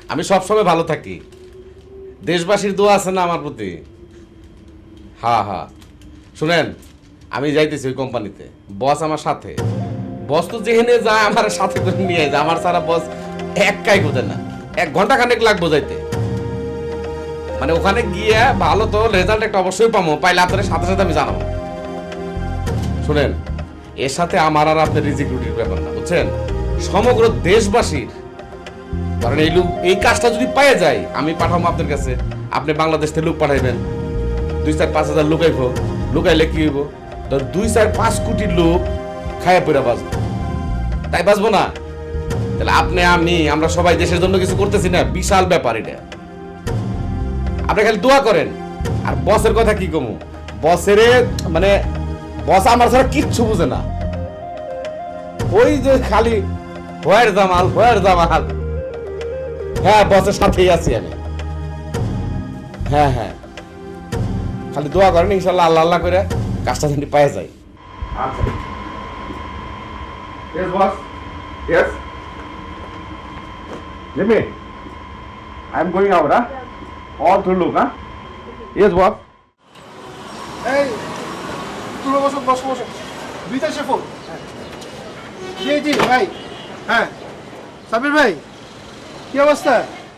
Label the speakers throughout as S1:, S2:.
S1: আমি সবসময় ভালো থাকি। দেশবাসীর দোয়া আছে না আমার প্রতি? হ্যাঁ হ্যাঁ, শুনেন, আমি যাইতেছি ওই কোম্পানিতে, বস আমার সাথে। বস তো যেখানে যায় আমার সাথে করে নিয়ে যায়, আমার সারা বস একাই বোঝে না, 1 ঘন্টা খানেক লাগবো যাইতে। মানে ওখানে গিয়ে ভালো তো রেজাল্ট একটা অবশ্যই পাবো, পাইলে আপনার সাথে সাথে আমি জানাবো। শুনেন, এর সাথে আমার আর আপনার রিজিক রুটির ব্যাপার না, বুঝছেন? সমগ্র দেশবাসীর, কারণ এই কাজটা যদি পাওয়া যায়, আমি পাঠাবো আপনার কাছে, আপনি বাংলাদেশ থেকে লোক পাঠাইবেন, 2-4-5 হাজার লুকাইব, লুকাইলে কি হইব? ধর 2-4-5 কোটি লোক খায়া পড়া বাঁচবো, তাই বাঁচবো না? তাহলে আপনি আমরা সবাই দেশের জন্য কিছু করতেছি না, বিশাল ব্যাপার এটা। আপনি খালি দোয়া করেন। আর বসের কথা কি কমু, বসের মানে বস আমার ছাড়া কিচ্ছু বুঝে না, ওই যে খালি ভয়ের জামাল, ভয়ের জামাল। হ্যাঁ, বসের সাথেই আছি আমি। হ্যাঁ হ্যাঁ, খালি দোয়া করেন, ইনশাল্লাহ আল্লাহ আল্লাহ করে কাজটা যদি পাওয়া যায়। আচ্ছা, yes boss, yes, Jimmy, I'm going out, all through look, yes boss.
S2: এই তুমি বসো বসো বসো, বিদেশে ফোন। জি জি ভাই, হ্যাঁ সাবির ভাই, কি অবস্থা?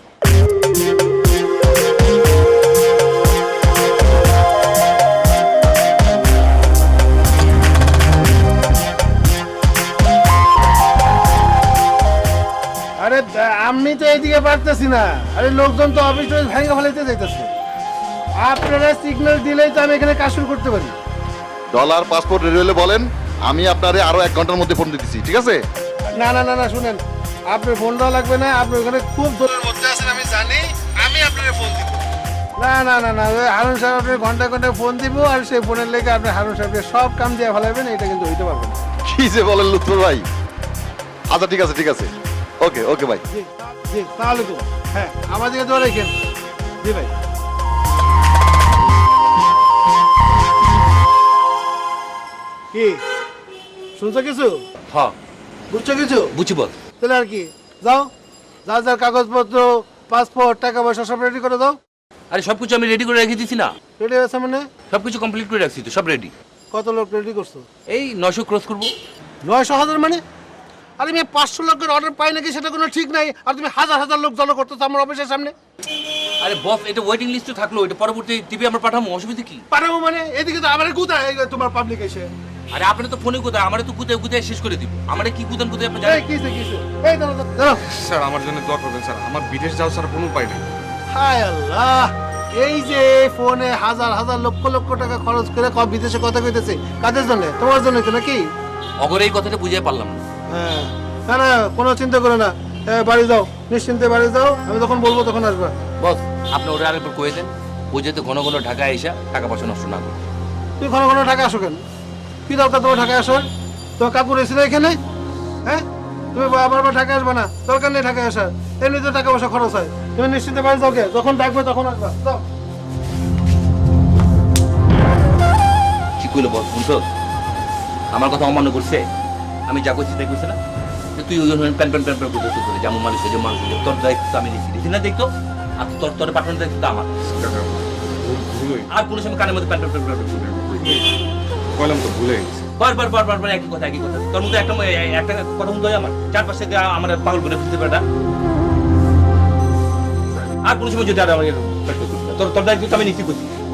S2: আরে আমি তো এইদিকে পারতেছি না, আরে লোকজন তো অফিস ভেঙে ফেলাইতে যাইতেছে। আপনারা সিগন্যাল দিলেই তো আমি এখানে কাজ শুরু করতে পারি।
S3: ডলার পাসপোর্ট রেডি হলে বলেন, আমি আপনারে আরো 1 ঘন্টার মধ্যে ফোন দিতেছি, ঠিক আছে?
S2: না না না না, শুনেন, আপনার ফোন দেওয়া লাগবে না, আপনি ওখানে খুব দূরের মধ্যে আছেন আমি জানি, আমি আপনার ফোন দিব। না না না না, ওই হারুন সাহেব আপনার ঘন্টায় ঘন্টায় ফোন দিব, আর সেই ফোনের লেগে আপনি হারুন সাহেবকে সব কাম দিয়ে ফেলাবেন, এটা কিন্তু হইতে পারবে না।
S3: কি যে বলেন লুৎফর ভাই। আচ্ছা ঠিক আছে ঠিক আছে, ওকে ওকে ভাই।
S2: জি জি, তাহলে তো হ্যাঁ, আমার দিকে দোয়া রেখেন। জি ভাই। কি শুনছো কিছু?
S4: হ্যাঁ
S2: বুঝছো কিছু?
S4: বুঝি বল।
S2: তাহলে আর কি, যাও, যা যা কাগজপত্র, পাসপোর্ট, টাকা পয়সা সব রেডি করে দাও।
S4: আরে সবকিছু আমি রেডি করে রেখে দিছি না,
S2: রেডি আছে মানে?
S4: সবকিছু কমপ্লিট করে রাখছি তো, সব রেডি।
S2: কত লোক রেডি করছো?
S4: এই 900 ক্রস করবো।
S2: 900,000 মানে? আরে আমি 500 লোকের অর্ডার পাই নাকি সেটা কোনো ঠিক নাই, আর তুমি হাজার হাজার লোক জড়ো করতেছো আমার অফিসের সামনে।
S4: আরে বস, এটা ওয়েটিং লিস্টে থাকলো, এটা পরবর্তী টিভি আমরা পাঠাবো, অসুবিধা কি?
S2: পারবো মানে? এদিকে তো আমার কোথায় তোমার পাবলিক এসে।
S4: আরে আপনি তো ফোনে কোথায়, আমারে তো কোথায় কোথায় শেষ করে দিব, আমারে কি কোথায় কোথায় আপনি
S2: এই
S4: জানেন?
S2: কিসে কিসে, এই দাঁড়াও দাঁড়াও।
S5: স্যার আমার জন্য দোয়া করবেন স্যার, আমার বিদেশ যাওয়া ছাড়া কোনো উপায় নেই।
S2: হায় আল্লাহ, এই যে ফোনে হাজার হাজার লক্ষ লক্ষ টাকা খরচ করে বিদেশে কথা কইতেছে, কাদের জন্য? তোমার জন্য তো নাকি?
S4: অগরে এই কথাটা বুঝিয়ে পারলাম না।
S2: হ্যাঁ, না না, কোনো চিন্তা করো না, বাড়ি যাও, নিশ্চিন্তে বাড়ি যাও, আমি যখন বলবো তখন আসবা।
S4: বস, আপনি ওরা আরেকবার কয়ে দেন, ও যাতে ঘন ঘন ঢাকায় এসে টাকা পয়সা নষ্ট না করে।
S2: তুই ঘন ঘন ঢাকা আসো কেন? কি দরকার তোমার ঢাকায় আসার? তোমার কাপড় এসে এখানে, হ্যাঁ? তুমি আবার ঢাকা আসবে না, দরকার নেই ঢাকায় আসার, এমনিতে টাকা পয়সা খরচ হয়। তুমি নিশ্চিন্তে বাড়ি যাও, কে যখন ডাকবে তখন আসবা, যাও।
S4: কি কইলো বস, শুনছো? আমার কথা অমান্য করছে, আমি যা করছি তাই করছে না? তুই ওই প্যান প্যান প্যান প্যান করতে করে যেমন মানুষ যে মানুষ, তোর দায়িত্ব আমি দেখি না, দেখতো আর তোর তোর পাঠানোর দায়িত্ব আমার। আর কোনো সময় কানের মধ্যে প্যান প্যান প্যান প্যান
S5: বললাম তো, ভুলে গেছি।
S4: বারবার বারবার বারবার একই কথা একই কথা। তোর মধ্যে একটা কথা মতো আমার চারপাশে আমার পাগল করে ফেলতে পারে না। আর কোনো সময় যদি আর আমাকে তোর তোর দায়িত্ব আমি নিশ্চিত করছি।